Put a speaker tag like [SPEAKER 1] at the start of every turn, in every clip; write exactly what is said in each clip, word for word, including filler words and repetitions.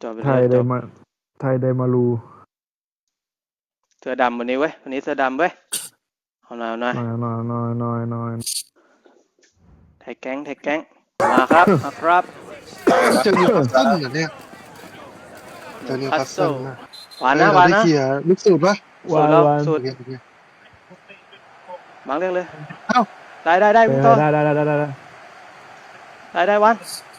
[SPEAKER 1] จบไป
[SPEAKER 2] ไท
[SPEAKER 1] เลย
[SPEAKER 2] ย
[SPEAKER 1] จ
[SPEAKER 2] ได
[SPEAKER 1] บ
[SPEAKER 2] มาไทยไดมารู
[SPEAKER 1] เสื้อดำวันนี้เว้ยวันนี้เสื้อดำเว้ยเอาหน่อยเอาหน่อย
[SPEAKER 2] น้อยน้อยน้อยน้อยน้อย
[SPEAKER 1] ไทยแก๊งไทยแก๊งมาครับมาครับ
[SPEAKER 3] เจอนิวคาสเซิลเหรอเนี่ยเจอนิวคาสเซิลนะ
[SPEAKER 1] หวาน
[SPEAKER 3] เอ้
[SPEAKER 1] นะ
[SPEAKER 3] ย
[SPEAKER 1] ห
[SPEAKER 3] เรา
[SPEAKER 1] วาน
[SPEAKER 3] ได้
[SPEAKER 1] นะ
[SPEAKER 3] เคลียร์ลูกสูตรปะ
[SPEAKER 1] สู
[SPEAKER 2] วา
[SPEAKER 1] ต
[SPEAKER 2] น
[SPEAKER 1] รแล้ว
[SPEAKER 2] วาน
[SPEAKER 1] สู
[SPEAKER 3] โอ
[SPEAKER 1] ตร
[SPEAKER 3] เคโอเค
[SPEAKER 1] บางเรื่องเลย
[SPEAKER 3] เอ้า
[SPEAKER 1] ได้ได้ได้
[SPEAKER 2] เอ
[SPEAKER 1] มึง
[SPEAKER 2] อ
[SPEAKER 1] ต่อ
[SPEAKER 2] ได้ได้ได้ได้ได้
[SPEAKER 1] ได้ได้วัน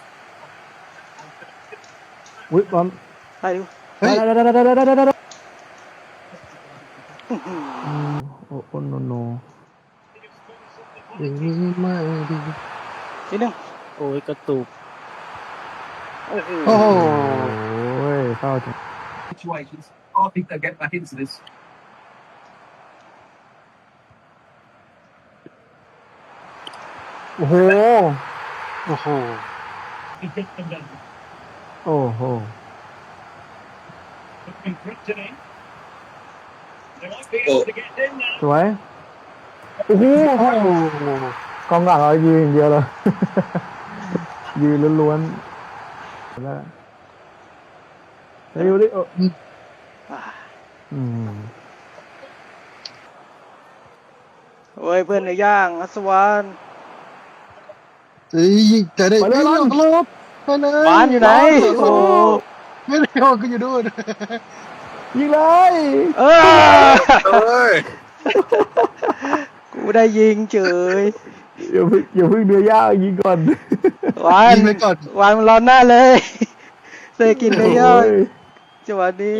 [SPEAKER 2] อุ้ยบอล
[SPEAKER 1] ได้ดู
[SPEAKER 3] เฮ้ย
[SPEAKER 2] ได้ได้ได้ได้ได้ได้ได้ได้อืมโอ้โอ้โนโน
[SPEAKER 3] อย่างนี้ไม่ดี
[SPEAKER 1] นิดนึง
[SPEAKER 4] โอ้ยกระตุก
[SPEAKER 1] โอ้โห
[SPEAKER 3] โอ้โห
[SPEAKER 2] โอ้ยเข้าถึง
[SPEAKER 5] situations. I think they'll get back into this.
[SPEAKER 2] โอ้โห
[SPEAKER 3] โอ้โห
[SPEAKER 5] He hit them down.
[SPEAKER 2] โอ้โห
[SPEAKER 5] Looking gripped it in. They might be able to get in now.
[SPEAKER 2] สวยโอ้โห
[SPEAKER 3] โอ้โห
[SPEAKER 2] กองหลังเรายืนอย่างเดียวเลย ยืนล้วนๆแล้วเฮ้ยดูดิโอ้
[SPEAKER 1] อ่า
[SPEAKER 2] อืม
[SPEAKER 1] โอ้ยเพื่อนในย่างอัศวาน
[SPEAKER 3] เฮ้ยจะได้
[SPEAKER 2] ไปเลย
[SPEAKER 3] ไม่
[SPEAKER 2] บอล
[SPEAKER 3] ลบไปเลย
[SPEAKER 1] บานอยู่ไหน
[SPEAKER 3] โอ้
[SPEAKER 1] โอ้
[SPEAKER 3] โหไม่ได้โอนก็อยู่ด้วย
[SPEAKER 2] ยิงเลย
[SPEAKER 1] เออ
[SPEAKER 3] เอ้ย
[SPEAKER 1] กูได้ยิงเฉย
[SPEAKER 2] อย่าเพิ่งอย่าเพิ่งเดือยากยิงก่อน
[SPEAKER 1] วาน
[SPEAKER 3] ยิงไปก่อน
[SPEAKER 1] วานมันร้อนหน้าเลย เซกินไปย่อย
[SPEAKER 2] โอ้ย
[SPEAKER 1] จังหวะนี้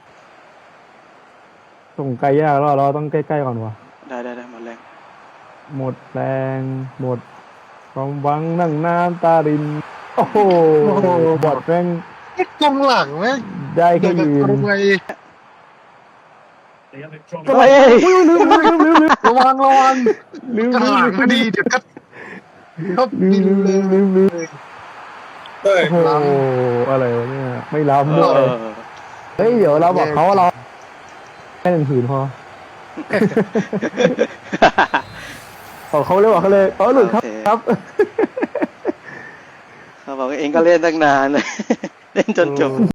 [SPEAKER 2] ส่งไกลยากแล้วเราต้องใกล้ๆก่อนวะ
[SPEAKER 1] ได้ได้ได้หมดแรง
[SPEAKER 2] หมดแรงหมดความหวังนั่งน้ำตารินโอ้โหบอดแม่ง
[SPEAKER 3] ไอ้กองหลังแม่ง
[SPEAKER 2] ได้แค่
[SPEAKER 3] เดิน
[SPEAKER 2] ยืน
[SPEAKER 3] ตรงไป
[SPEAKER 5] They have it from
[SPEAKER 1] เฮ้ย
[SPEAKER 3] ระวังระวัง
[SPEAKER 2] ลืม
[SPEAKER 3] กระ
[SPEAKER 2] ลื
[SPEAKER 3] หลัง
[SPEAKER 2] ม
[SPEAKER 3] ก็ดีเดี๋ยวก็เดี๋ยว
[SPEAKER 2] ลื
[SPEAKER 3] บิ
[SPEAKER 2] ม
[SPEAKER 3] น
[SPEAKER 2] ลืม
[SPEAKER 3] เล
[SPEAKER 2] ลื
[SPEAKER 3] ย
[SPEAKER 2] มลืมลืมโอ้โหอะไรวะเนี่ยไม่ล้ำ
[SPEAKER 1] เอ
[SPEAKER 2] ด้วย
[SPEAKER 1] อ
[SPEAKER 2] เฮ้ยเดี๋ยวเราบอกเขาว่าเราแค่หนึ่งผืนพอบอกเขาเลยบอกเขาเลยเออหลุดครับครับ
[SPEAKER 1] เขาบอกว่าเองก็เล่นตั้งนาน เล่นจนจบ